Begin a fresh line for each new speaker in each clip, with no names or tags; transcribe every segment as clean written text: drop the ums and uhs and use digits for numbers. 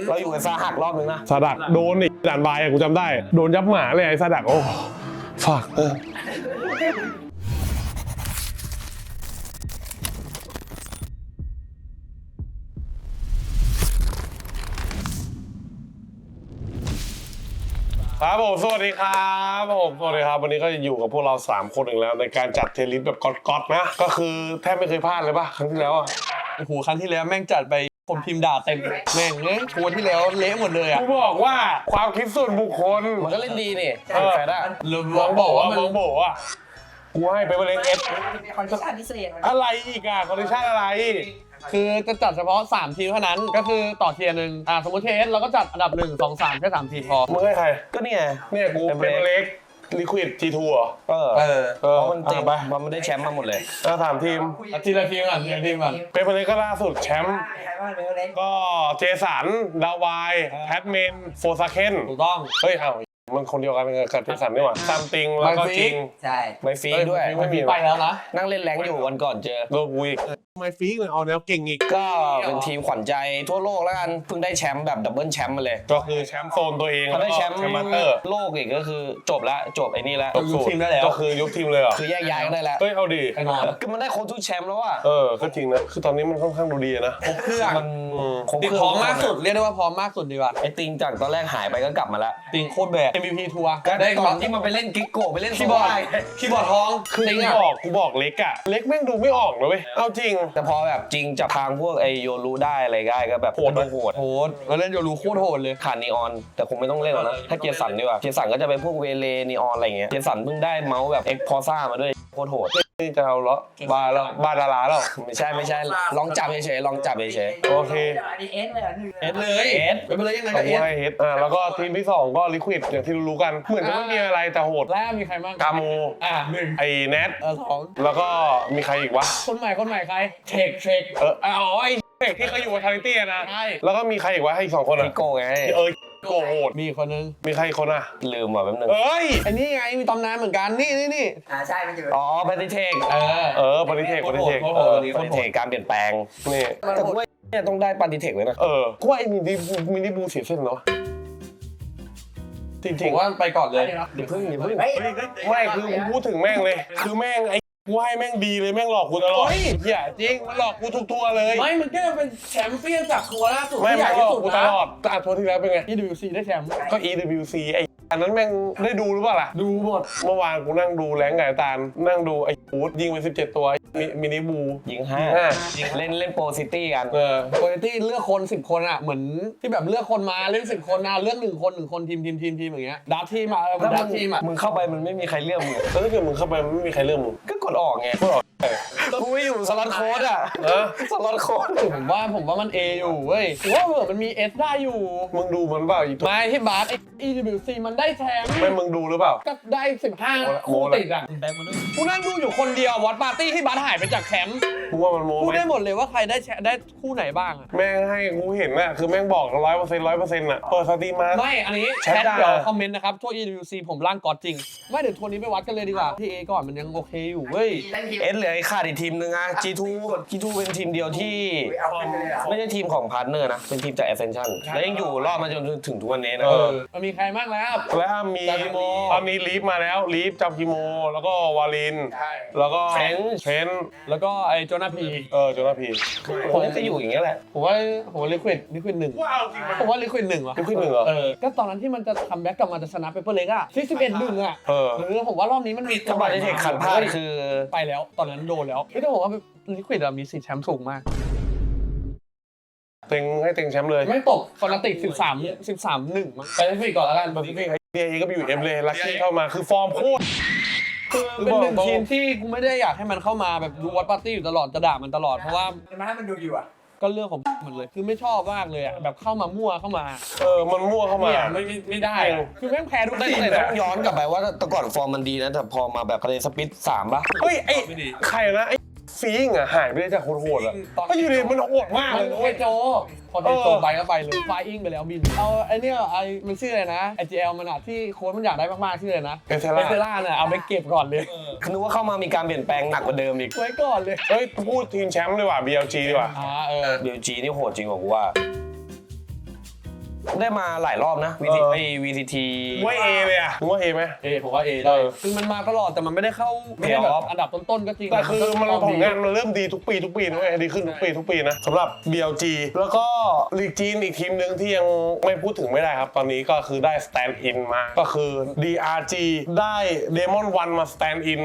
เราอยู่กับซาหักรอบนึงนะ
ซาดักโดนอีกด่านบายกูจำได้โดนยับหมาเลยไอ้ซาดักโอ้ฝากครับผมสวัสดีครับผมสวัสดีครับวันนี้ก็อยู่กับพวกเรา3คนอีกแล้วในการจัดเทลิสแบบก๊อตๆนะก็คือแทบไม่เคยพลาดเลยป่ะครั้งที่แล้วอ่ะ
โอ้โหครั้งที่แล้วแม่งจัดไปผมพิมพ์ด่าเต็มแม่งเลยทัวร์ที่แล้วเละหมดเลยอ่ะ
กูบอกว่าความคิดส่วนบุคคล
มันก็เล่นดีนี่แฟร์ได้
ลองบอกว่ามัน
มองบอกว่ากูให้ไปเล่นเอฟ
คอนดิชั่นพิเศษ
อะไรอีกอะคอนดิชั่นอะไร
คือจะจัดเฉพาะ3ทีมเท่านั้นก็คือต่อเทียร์หนึ่งสมมติเทสเราก็จัดอันดับ1 2 3แค่3ทีมพอ
มึงให้ใคร
ก็นี่ไง
เนี่ยกูเป็นเล็กลิควิดทีทัวร์
เพราะมันเต็ม
ไป
มันได้แชมป์มาหมดเลย
ถามทีม
ทีละทีมก่อนทีละทีมก่อน
เป็นเล็กก็ล่าสุดแชมป์
ใครบ้างเป็นเล็ก
ก็เจสันดาวายแพทเมนโฟซาเคน
ถูกต้อง
เฮ้ยมันคนเดียวกันกับเจสันนี่หว่าซัมติงแล้วก็จริง
ใช่
ไม่ฟรีด้วย
ไม่มี
ไปแล้วนะ
นั่งเล่นแรงอยู่วันก่อนเจอ
โลกวีกทำไมฟีกเลยเอาแนวเก่งอีก
ก็เป็นทีมขวัญใจทั่วโลกแล้วกันเพิ่งได้แชมป์แบบดับเบิลแชมป์มาเลย
ก็คือแชมป์โซนตัวเอง
เขาได้แชมป์
มาสเตอร์
โลกอีกก็คือจบละจบไอ้นี่ละ
ยุบทีมได้แล้ว
ก็คือยุบทีมเลยเหรอ
คือแยกย้ายกันได้แล้ว
เฮ้ยเอาดิ
ไปนอน
คือมันได้ครบทุกแชมป์แล้วอ่ะ
ก็จริงนะคือตอนนี้มันค่อนข้างดูดีนะ
ครบเครื่อง
มันครบ
ติด
เครื่
พร้อมมากสุดเรียกได้ว่าพร้อมมากสุดดีกว่า
ไอ้ติงจากตอนแรกหายไปก็กลับมาแล้ว
ติงโคตรแบก MVP ทัวร์
ได้ตอนที่มันไปเล่นกิ๊กโกไปเล่น
คีย์บอร์ดคีย์บอร์ดทอง
คือ
ติง
กูบอกเล็กอะเล็กแม่งดูไม่ออกเลยเว้ยเอาจริง
แต่พอแบบจริงจับทางพวกไอโยรู้ได้อะไรได้ก็แบบ
โหด
โหด
โหดเราเล่นโยรูโคตรโหดเลย
ขาดนีออนแต่คงไม่ต้องเล่นหรอกนะถ้าเกียร์สันดีกว่าเกียร์สันก็จะเป็นพวกเวเลนีออนอะไรเงี้ยเกียร์สันเพิ่งได้เมาส์แบบเอ็กพอซ่ามาด้วยโคตรโหด
นี่จะเอาละบาดาราแล้ว
ไม่ใช่ลองจับเฉยๆลองจับเฉย
โอเค
อันนี้เอสเลยอ่ะ
เอสเลย
เอส
ไปเลยยังไง
ต้
กั
อบ ง
เอส
ให้เฮดแล้วก็ทีมที่2ก็ลิควิดอย่างที่รู้ๆกันเหมือนจะไม่มีอะไรแต่โหด
แล้วมีใครบ้าง
กาโม
1
ไอ้แนท
2
แล้วก็มีใครอีกวะ
คนใหม่ใครเทค
ไอ้เด็กที่เขาอยู่กับทาริตี้นะ
ใช่
แล้วก็มีใครอีกวะให้อีก2คน
ๆ
อ่ะ
พี่โกไง
โกโหด
มีคนนึง
มีใครอีกคนอ่ะ
ลืมว่ะแป๊บนึง
เอ้ย
ไอ้นี่ไงมีตำนานเหมือนกันนี่
ใช่มันอยู่
อ๋อแพนติเทค
ปฏิเทค
โคตรโหดตัวนี้
แพนติเทคการเปลี่ยนแปลง
นี่
แต่กูว่าเนี่ยต้องได้ปฏิเทคเลยนะ
กูว่าไอ้มินิบูเสียเส้นเนาะจ
ผ
ริง
มว่าไปก่อนเลย
อย่าพึ่ง
เฮ้ย
ๆไม่คือกูพูดถึงแม่งเลยคือแม่งไอ้กูให้แม่งดีเลยแม่งหลอกกูตลอดเหี้ยจริงมันหลอกกูทุกตัวเลย
ไม่มันก็เป็นแชมเปี้ยนจากทัวร์ล่าสุด
ไม่
ที่ใหญ่
หล
ที่
อก
สุด
กูต
นะ
ลอดแต่ทัวร์ที่แล้วเป็นไง
EWC ได้แชมป์
ก็ EWC ไอ้อันนั้นแม่งได้ดูหรือเปล่าล่ะ
ดูหมด
เมื่อวานกูนั่งดูแรงไก่ตาลนั่งดูไอ้ฟูดยิงไป17 ตัวมินิบู
ยิง
ห้า
5เล่นโปรซิตี้กัน
ปกติเลือกคน10 คนอ่ะเหมือนที่แบบเลือกคนมาเล่น10 คนนะเลือก1 คนทีมอย่างเงี้ยดับทีมมาดับทีมอ่ะ
มึงเข้าไปมันไม่มีใครเลือกมึง
แล้วถ้าเกิดมึงเข้าไปมันไม่มีใครเลือกมึง
ก็กดออกไงกูไม่อยู่สล็อตโค้ดอ่ะสล็อตโค้ด
ผมว่ามัน A อยู่เว้ยผมว่าเผื่อมันมี S ได้อยู่
มึงดูมันเปล่าอีกตัว
ไม่ที่บาสไอ้ EWC มันได้แชมป์
ไม่มึงดูหรือเปล่า
ก็ได้15 คู่ติดอ่ะกูนั่งดูอยู่คนเดียววอตปาร์ตี้ที่บาสหายไปจากแคมป์
มึงว่ามันโม้
พูด
ไหม
ได้หมดเลยว่าใครได้คู่ไหนบ้างอะ
แม่งให้กูเห็นน่ะคือแม่งบอก100% 100%อ่ะเปิดสตรีมมา
ไม่อันนี้
แช
แช
ท
ท
ด่า
เดี๋ยวคอมเมนต์นะครับทั่ว EWC ผมร่างก๊อตจริงไม่เดี๋ยวทัวร์นี้ไปวัดกันเลยดีกว่าที่ A ก่อนมันยังโอเคอยู่เว้ย
เอสเหลือไอ้ขาดอีกทีมนึงอ่ะ G2 เป็นทีมเดียวที่
เอาขึ้นไปเลยอ่ะ
ไม่ใช่ทีมของพาร์ทเนอร์นะ เป็นทีมจาก Ascension แล้วยังอยู่รอดมาจนถึงทุกวันนี้นะ
มันมีใครบ้างแล้ว
แล้วมี
จากิโม
ตอนนี้ลีฟมาแล้วลีฟจำกิโมแล้วก็วาลิน แล้วก็เทน
แล้วก็ไอ้โจนาพี
โจนาพี
ผมก็อยู่อย่างเงี้ยแหละ
ผมว่าลิควิดหนึ่ง
ว้าวจริงไหม
ผมว่าลิควิดหนึ่งว่ะ
ลิควิดหนึ่งเหรอ
ก็ตอนนั้นที่มันจะคัมแบ็กกลับมาจะชนะเปเปอร์เล็กอะที่11-1อะผมว่ารอบนี้มันมี
ถ้าปฏิเทคขัดพลาดคือ
ไปแล้วตอนนั้นโดนแล้วแต่ผมว่าลิควิดมีสิทธิ์แชมป์สูงมาก
เต็งให้เต็งแชมป์เลย
ไม่ตกฟอนาติก13-1มั้งไปลิควิดก่อนแล้วกัน
ปฏิเทคเดียก็ไปอยู่เอ็มเลยลักกี้เข้ามาคือฟอร์มโคตร
เป็นหนึ่งทีมที่กูไม่ได้อยากให้มันเข้ามาแบบดูวอตปาร์ตี้อยู่ตลอดจะด่ามันตลอดเพราะว่า
มันให้มันดูอยู่อ่ะ
ก็เรื่องของมันเลยคือไม่ชอบมากเลยอะแบบเข้ามามั่วเข้ามา
มันมั่วเข้ามา
เนี่ยไม่ได้อะคือแม่งแพ้ทุกทีม
แต่
เลย
ต้องย้อนกลับไปว่าแต่ก่อนฟอร์มมันดีนะ แต่พอมาแบบคะแนนสปิด3ป่ะ
เฮ้ยไอ้ใครนะไอ้ฟีงอ่ะหายไปได้จากโหดๆอ่ะก็อยู่ดีมันโหดมาก
มั
เล
น
ย
โอ้ยโจพอโจไปก็ไปเลยไฟอิงไปแล้วบินเอาไอ้เนี่ยไอ้มันชื่ออะไรนะ IGL มันอะที่โค้ชมันอยากได้มากๆชื่ออะไรนะ
เอเซล่า
เนี่ยเอาไปเก็บก่อนเลย
นึกว่าเข้ามามีการเปลี่ยนแปลงหนักกว่าเดิมอีก
ไว้ก่อนเลย
เฮ้ยพูดทีมแชมป์ดีกว่า BLG ดีกว่า
BLG นี่โหดจริงกว่ากูว่าได้มาหลายรอบนะ VCT
ว่าเอเลยอ่ะมึงว่าเอไหม
ผมว่า A ได้คือมันมาตลอดแต่มันไม่ได้เข้าไม่ได้แบบอันดับต้นๆก็จริง
แต่คือมันผลงานมันเริ่มดีทุกปีนะเว้ยดีขึ้นทุกปีนะสำหรับ BLG แล้วก็ลีกจีนอีกทีมหนึ่งที่ยังไม่พูดถึงไม่ได้ครับตอนนี้ก็คือได้ stand in มาก็คือ DRG ได้ Demon 1 มา stand in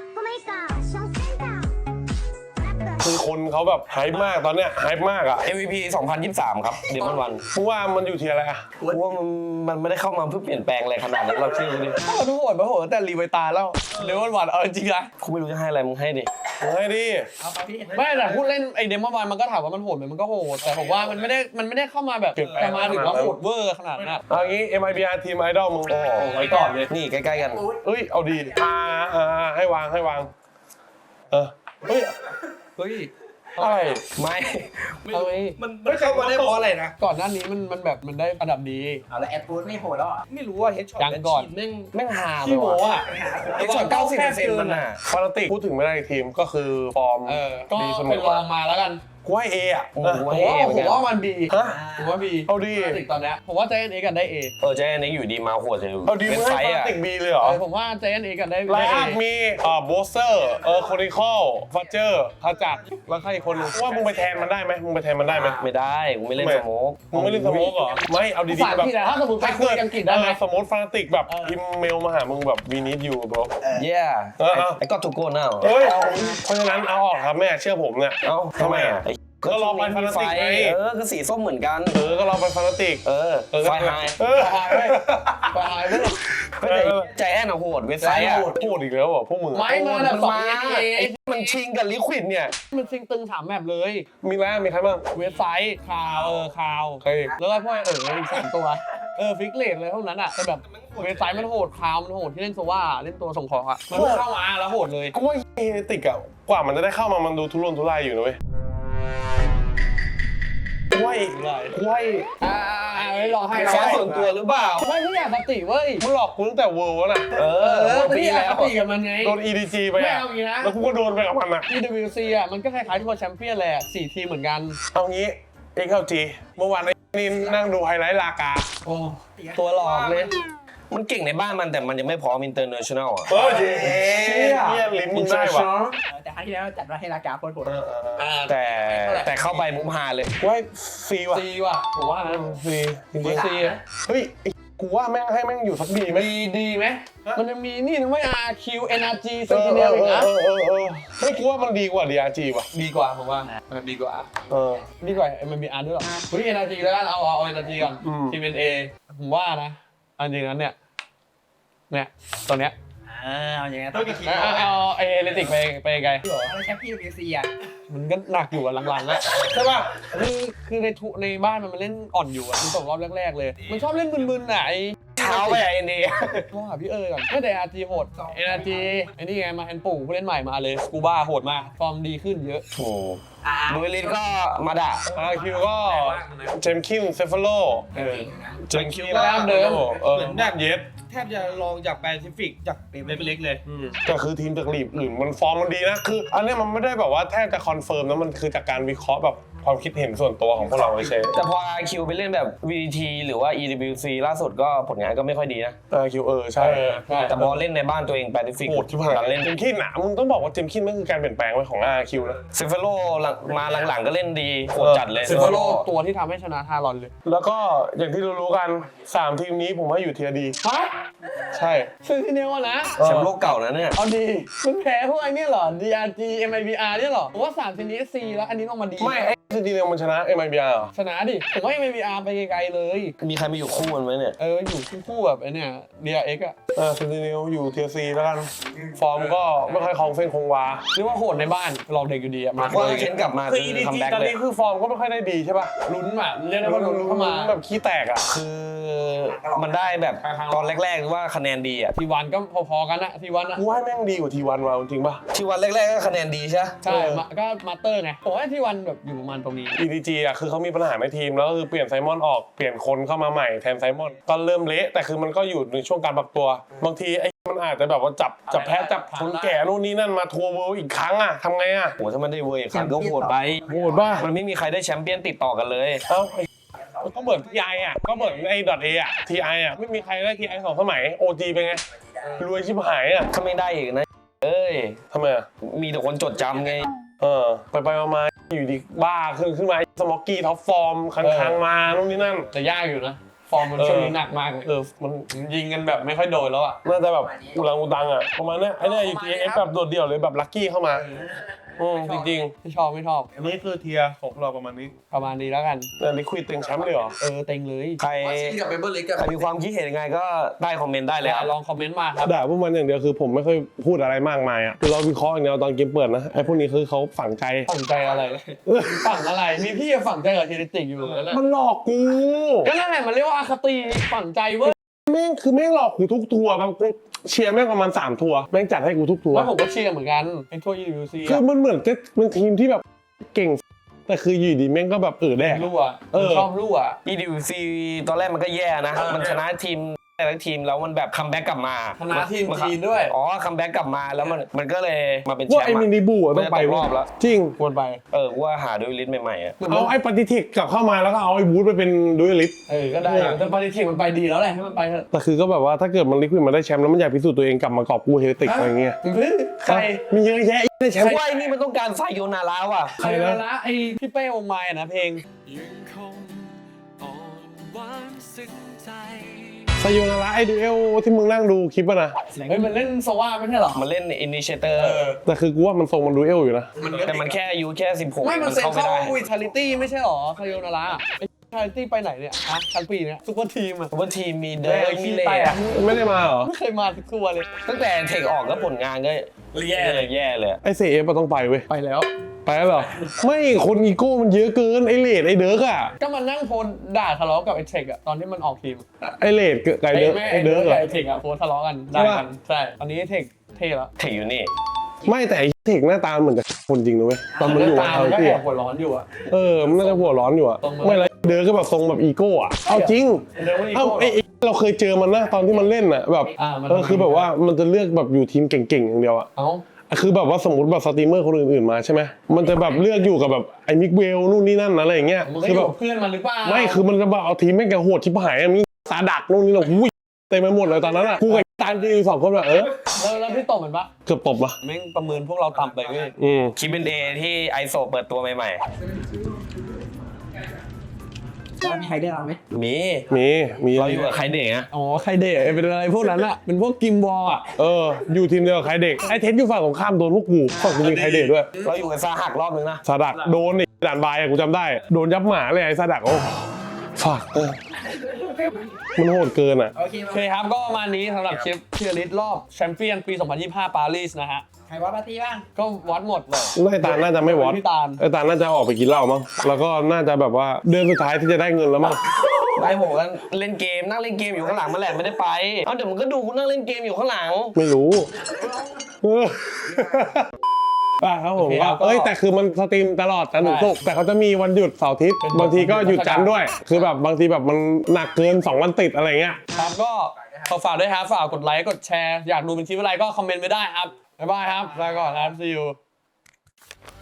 คือคนเขาแบบไฮป์มากตอนเนี้ยไฮป์มากอ่ะ
MVP 2023 ครับเดมอนวัน
มึงว่ามันอยู่ที่อะไรอ่ะ
ว่ามันไม่ได้เข้ามาเพื่อเปลี่ยนแปลงอะไรขนาดนั้นเราเชื่อดิ
มันโหดแต่รีไวตาแล้วเดมอนวันเอาจริงๆนะ
กูไม่รู้จะให้อะไรมึงให้ดิ
มึงให้ดิ
เอาไปพี่
ไม่แต่พูดเล่นไอเดมอนวันมันก็ถามว่ามันโหดไหมมันก็โหดแต่ผมว่ามันไม่ได้เข้ามาแบบจะมาถึงว่าโหดเวอร์ขนาดนั้น
เอางี้ MIBR ทีมไอดอลมึง
โอ้โหไว้ก่อนเลยนี่ใกล้ๆกัน
เอ้ยเอาดีให้วางเฮ้ย
เฮ้ย
อะไร
ไม่
เอาไง
มันเข้ามาได้เพราะอะไรนะ
ก่อนหน้านี้มันแบบมันได้อันดับดี
เอาแล้วแอดพูดไม่โหดแล้วอ่ะ
ไม่รู้ว่าเฮดช็อต
ยังก่อน
แม่ง
แม่งหาไป
ขี้โม้
ว่ะ
อะ
ไอ้ช็อต90%มันน่ะ
ฟานาติกพูดถึงไม่ได้อีกทีมก็คือฟอร์ม
ก็
ดีเสม
เป็น
อ
รองมาแล้วกัน
กูให้เออ่ะ
โอ้โห
ผมว่ามันบี
ฮะ
ผมว่าบี
เอาดี
ติดตอนเนี้ยผมว่าใจเอ็นเอกันได้เอ
ใจแอนนี่อยู่ดีมาโหดเลย
เอาดี
เป็
มึ
น
ง
ไฟ
ให้ฟานา
อ่ะ
ติกบีเลยเหรอ
ผมว่าใจเอ็นเอกันได้
ไล
ได้
น์
เอ
อัพมีโบสเซอร์โคนิคอลฟัจเจอร์ขจัดแล้วใครอีกคนนึงว่ามึงไปแทนมันได้ไหมมึงไปแทนมันได้ไหม
ไม่ได้กูไม่เล่นสโมก
มึงไม่เล่นสโมกเหรอไม่เอาดี
ภาษา
ๆแบบ
ที่ไหนถ้าสมมติไปคุยอังกฤษได้ไหม
สมมติฟานาติกแบบพิมเมลมาหามึงแบบวีนิดอยู่บร
เย้ ไอ้ก็ถูกโกนเอา
เฮ้ยเพราะฉะนั้นเอาออกครับแม่เชื่อผมเนี่ย
เอ้าทำไมอ่ะ
ก็ลองไปฟานาติกไง
ก็สีส้มเหมือนกัน
ก็ลองไปฟานาติก
ไฟไฮ
ไปหายไปไปหายไปเลย
ใจแอนอะโหดเว็บไซต์อะ
พูดอีกแล้วเหรอพวกมึง
ไม่มาแบบสองเอ
ไอ้มันชิงกับลิควิดเนี่ย
มันซิงตึงถามแมปเลย
มีแล้วมีใครบ้าง
เว็บไซต์ข่าวข่าว
ใคร
แล้วก็พวกอีก3ตัวฟิกเลตเลยเท่านั้นอ่ะแต่แบบเว็บไซต์มันโหดข่าวมันโหดที่เล่นโซว่าเล่นตัวส่งของอ่ะมันเข้ามาแล้วโหดเลย
กูว่าเฮติกอะกว่ามันจะได้เข้ามามันดูทุรนทุรายอยู่นะเว้ยกูว่า
ไม่รอให้
แค่ส่วนตัวหรือเปล่า
ไม่อยากปฏิเว้ย
มึงหลอกกูตั้งแต่เวิร์แล้วนะ
ปีแล้วปฏิกับมันไง
โดน EDG ไป
ไม่
อะ
เอางี้นะ
แล้วกูก็โดนไปกับมันอะ
EWC อ่ะมันก็คล้ายๆทัวร์แชมเปี้ยนแหละ4ทีมเหมือนกัน
เอางี้ XLG เมื่อวานไอ้นี่นั่งดูไฮไลท์ลากา
โอ้ตัวหลอกเลย
มันเก่งในบ้านมันแต่มันยังไม่พร้อมอินเตอร์เนชั่นแนลอ่ะ
เฮ้ยเนี่ยลิ้นมึงได้ว่ะ
แต่ครั้งที่แล้วจัดว่าให้รากาโคตรโหด
แต่เข้าไปมุกฮาเลย
กูให้ซีว่ะ
ซีว่ะผมว่านะ
ซีจริง
ซี
ๆเฮ้ยกูว่าแม่งให้แม่งอยู่สักดีไหม
ดีไหมมันจะมีนี่นะไม่ RQ NRG Sentinel อีกนะ
เฮ้ยกูว่ามันดีกว่า DRG ว่ะ
ดีกว่าผมว่าดีกว่าดีกว่า MBR ด้วยหรอเฮ้ย NRG แล้วกันเอา NRG ก่อนทีม NA ผมว่านะอันจริงนั้นเนี่ยตัวเนี้ย
เอาอย่างเงี้ยต้องกี่ทีม
เอาเอเลติกไปไกล
เอาแชมป์พี่WCอ่ะ
มันก็หนักอยู่อะหลังๆแล้ว
ใช่ป่ะ
คือในบ้านมันเล่นอ่อนอยู่อะมันตกรอบแรกๆเลย มันชอบเล่นมึนๆน่ะไอ้
เช้าไปไอ้นี่
โทรหาพี่ก่อนไม่แต่ RG โหด NRG ไอ้นี่ไงมาแอนปู่ผู้เล่นใหม่มาเลยสกูบ้าโหดมากฟอร์มดีขึ้นเยอะ
โอ้ดูลินก็มาด่า
RQ ก็เจมคินเซฟาโลเจมคิน
ก็เดิม
เหมือนแบบเย็บแทบจะลองจากแปซิฟิกจากเล็กๆเลย
ก็คือทีมจากลีกอื่นมันฟอร์มมันดีนะคืออันนี้มันไม่ได้แบบว่าแทบจะคอนเฟิร์มนะมันคือจากการวิเคราะห์แบบความคิดเห็นส่วนตัวของพวกเราเฉย
แต่พอ RQ ไปเล่นแบบ VT หรือว่า EWC ล่าสุดก็ผลงานก็ไม่ค่อยดีนะ
RQ ใช่
แต่พอเล่นในบ้านตัวเองแปซิฟิก
โหดที่ผ่าน
การเล่น
เจมคินอ่ะมึงต้องบอกว่าเจมคินมันคือการเปลี่ยนแปลงไปของ RQ นะ
เซฟโลมาหลังๆก็เล่นดีโหดจัดเลย
เซฟโลตัวที่ทำให้ชนะฮารอนเลย
แล้วก็อย่างที่รู้ๆกัน3ทีมนี้ผมว่าอยู่เทียร์ดี
ฮะ
ใช่
ซึ่งที่เนี้ยว่านะ
แชมป์โลกเก่านะเนี่ย
เอาดีมันแพ้พวกไอ้นี่เหรอ DRG MIBR เนี่ยเหรอผมว่า3ทีนี้ C แล้วอันนี้ลงมาดี
ไม่ไอ้จริงๆมันชนะ MIBR เหรอ
ชนะดิผมว่า MIBR ไปไกลๆเลย
มีใครมาอยู่คู่มันไหมเนี่ย
อยู่คู่แบบไอ้เนี่ย DRX อ่ะ
เซนติเนลอยู่เทียร์ซีแล้วกัน ฟอร์มก็ไม่ค่อยคลองเส้นคงวา
เรียกว่าโหดในบ้านหลอกเด็กอยู่ดีอ่ะมา
ว่าเค้นกลับมา
คือ
คือ
EDG
คัมแบ็ก
ตอน
เลย
นี้คือฟอร์มก็ไม่ค่อยได้ดีใช่ป่ะ
ลุ้นอ่ะเรียกได้ว่าลุ้นเข้ามา
แบบขี้แตกอ่ะ
คือมันได้แบบตอนแรกๆว่าคะแนนดีอ่ะ
ทีวันก็พอๆกันนะทีวันอ่ะ
กูว่าแม่งดีกว่าทีวันว่ะจริงป่ะ
ที่วันแรกๆก็คะแนนดีใช่ไหม
ใช่ก็มาสเตอร์ไงผมว่าทีวันแบบอยู่ประมาณตรงนี้
EDG อ่ะคือเขามีปัญหาในทีมแล้วก็คือเปลี่ยนไซมอนออกเปลี่ยนคนเข้ามาใหม่แทนไซมอนก็เริ่มเละแต่คือมันก็อยู่ในช่วงการปรับตัวบางทีไอ้มันอาจจะแบบว่าจับแพ้จับคนแก่นู่นนี่นั่นมาทัวร์เวิลด์อีกครั้งอ่ะทำไงอ่ะ
โหถ้ามันได้เวอร์อีกครั้งก็โหดไป
โหดป่ะ
มันไม่มีใครได้แชมเปี้ยนติดต่อกันเลย
เอ้าไอ้ก็เหมือน TI อ่ะก็เหมือนไอ้ .A อ่ะ TI อ่ะไม่มีใครได้ TI 2 สมัย OG เป็นไงรวยชิบหายอ่ะ
ถ้าไม่ได้อีกนะเอ้ย
ทำไมอ่ะ
มีแต่คนจดจำไง
ไปมาอยู่ดีบ้าขึ้นมาสมอกกี้ท็อปฟอร์มค้างมานู่นนี่นั่น
แต่ยากอยู่นะฟอร์มมันช่วงนี้หนักมากเลย
มัน
ยิงกันแบบไม่ค่อยโดนแล้วอ่ะ
น่าจะแบบอุลังอุตังอ่ะประมาณเนี้ยไอ้เนี่ยอยู่ TF แบบโดดเดี่ยวเลยแบบลัคกี้เข้ามาจริง
ไม่ชอบ
อันนี้คือเทียร์ของเราประมาณนี้
ประมาณนี้แล้วกัน
ๆแต่ลิควิดเต็งแชมป์เลยเหรอ
เต็งเลย
ใคร
กับเบเบอร์ลิกกับ
ใครมีความคิดเห็นยังไงก็ได้คอมเมนต์ได้เลยครับ
ลองคอมเมนต์มาครับ
ด่าพวกมันอย่างเดียวคือผมไม่ค่อยพูดอะไรมากมายอ่ะคือเราวิเคราะห์อย่างเดียวตอนเกมเปิดนะไอ้พวกนี้คือเขาฝังใจ
ฝังใจอะไร ฝังอะไร มีพี่ฝังใจกับเทเลติกอยู่แล้วแหละ
มันหลอกกู
ก็นั่นแหละมันเรียกว่าอคติฝังใจเว้ย
แม่งหลอกกูทุกทัวร์บางกูเชียร์แม่งประมาณ3 ทัวร์แม่งจัดให้กูทุกทัวร์
แล้วผมก็เชียร์เหมือนกันเป็นทัวร์ UC
คือมันเหมือนจะเป็นทีมที่แบบเก่งแต่คืออยู่ดีแม่งก็แบบแดก
รั่วชอบรั่ว
EDC ตอนแรกมันก็แย่นะ มันชนะทีมแต่ละทีมแล้วมันแบบคัมแบ็กกลับมา
ชนะทีมจีนด้วย
อ๋อคัมแบ็กกลับมาแล้วมันก็เลยมาเป็นแช
ว่าม ไอ้
ป์
มิ
อะ
นิบูอ่ะต้องไป
รอบแล้ว
จริง
ควรไป
ว่าหาด้วยลิ้นใหม่ๆอ่ะ
เอาไอ้ปฏิทิกกลับเข้ามาแล้วก็เอาไอ้บูธไปเป็นดูเอลิส
ก็ได้แต่ปฏิทินมันไปดีแล้วแหละให้มันไปเถอะ
แต่คือก็แบบว่าถ้าเกิดมันลิควิดมาได้แชมป์แล้วมันอยากพิสูจน์ตัวเองกลับมากอบกูเฮติกอะไรเงี้ย
ใคร
มีเยอะแยะได้แชมป์
ว่าไอ้นี่มันต้องการไซโยนาราว่ะ
ใครละไอพี่เป้องค์ไม้นะเพลง
ยังคงอ่อนหวานสึกใจ
ไซโยนาระไอ้ดูเอลที่มึงนั่งดูคลิปอะนะ
เฮ้ยมันเล่นโซว่าไม่ใช่หรอ
มันเล่นอินิเชเตอร์
แต่คือกูว่ามันทรงมันดูเอลอยู่นะ
แต่มันแค่อายุแค่16
ไม่มันเซ็น
เข้าไม่
เข้า
ได้
วิทาลิตี้ไม่ใช่หรอคาโยนาระไอชาริตี้ไปไหนเนี่ยชั้นปีเนี่ยซุปเปอร์ทีมอะ
ว่าทีมมีเดิร์กมีเล่
ไม่ได้มาเหรอ
ไม่เคยมาสักตัวเลย
ตั้งแต่เทคออกแล้วผลงานก็แย่เลย
ไอ้เซเอฟมันต้องไปเว้ย
ไปแล้ว
ไปแล้วเหรอ ไม่คนอีโก้มันเยอะเกินไอ้เลดไอ้เดิร์กอะ
ก็มันนั่งโพลด่าทะเลาะกับไอเทคอะตอนที่มันออกทีม
ไอ้เลดกับไอ้เดิร์ก
ไม่
ไอ้เดิร์ก
กับ
อะ
ไอเทคอะโพลทะเลาะกันด่ากันใช่ตอนนี้เทคเท่แล้ว
เทคอยู่นี่
ไม่แต่ไอ้เทคหน้าตาเหมือนจะคนจริงนะเว้ยตอนมันอยู่
ตา
กับ
มันก็
เขา
แอ
ที่
บหัวร้อนอยู่อะ
มันน่าจะหัวร้อนอยู่อะ
ตรงมา
ไม่แล้วเดิร์กก็แบบทรงแบบอีโก้อะเอาจริง
เดินไม่อี
เอ้า
โก้
ไอ้เราเคยเจอมันนะตอนที่มันเล่นอะแบบ
มัน
คือแบบว่ามันจะเลือกแบบอยู่ทีมเก่งๆอย่างเดียวอะ
เอ้า
คือแบบว่าสมมติแบบสตรีมเมอร์คนอื่นๆมาใช่ไหมมันจะแบบเลือกอยู่กับแบบไอ้มิกเวลนู่นนี่นั่นอะไรอย่างเงี้ย
มันก็
คือ
อ
แบ
ยู่
บ
กับเพื่อนมันหรือเปล่า
ไม่คือมันจะแบบเอาทีมแม่งแกโหดชิบหายอะมีสาดักนู่นนี่นั่นอุ้ยเต็มไปหมดเลยตอนนั้นอะกูกับตามที่อยู่2 คนแบบ
แล้วพี่ตบมันปะ
เกือบตบละ
แม่งประเมินพวกเราต่ำไปเว้ย
คิดเป็นเดย์ที่ไอโซเปิดตัวใหม่
มีใครได้เราไหม
ๆ มี
มี
เราอยู่กับใครเด็กอะ
อ๋อใครเดะเป็นอะไรพวกนั้นอะเป็นพวกกิมบอลอะ
อยู่ทีมเดียวกับใครเด็กไอ้เทสอยู่ฝั่งของข้ามโดนพวกกูฝั่งกูมีใครเด็กด้วย
เราอยู่กับซาหักรอบนึงนะ
สาดักโดนไอ้ด่านบายอะกูจำได้โดนยับหมาเลยไอ้สาดักโอ้ฝากมันโหดเกินอะ
โอเค
โอเคครับก็ประมาณนี้สำหรับคลิปเชียร์ลิสรอบแชมเปี้ยนปี 2025 ปารีสนะฮะ
ใครว่าปาร์ตี้บ้าง
ก็วัดหมดเลย
ไอ้ตาลน่าจะไม่วอด
พี่ตาล
ไอ้ตาลน่าจะออกไปกินเหล้ามั้งแล้วก็น่าจะแบบว่าเดือนสุดท้ายที่จะได้เงินแล้วมั้ง
ไอผมก็เล่นเกมนั่งเล่นเกมอยู่ข้างหลังมาแหละไม่ได้ไปเอาเดี๋ยวมันก็ดูกูนั่งเล่นเกมอยู่ข้างหลัง
ไม่รู้ครับผมก็แต่คือมันสตรีมตลอดจันทร์ถึงศุกร์แต่เขาจะมีวันหยุดเสาร์อาทิตย์บางทีก็หยุดจันทร์ด้วย คือแบบบางทีแบบมันหนักเกิน2 วันติดอะไรเงี้ย
ครับก็ขอฝากด้วยครับฝากกดไลค์กดแชร์อยากดูเป็นคลิปอะไรก็คอมเมนต์ไว้ได้ครับบ๊ายบายครับลาก่อนครับ see you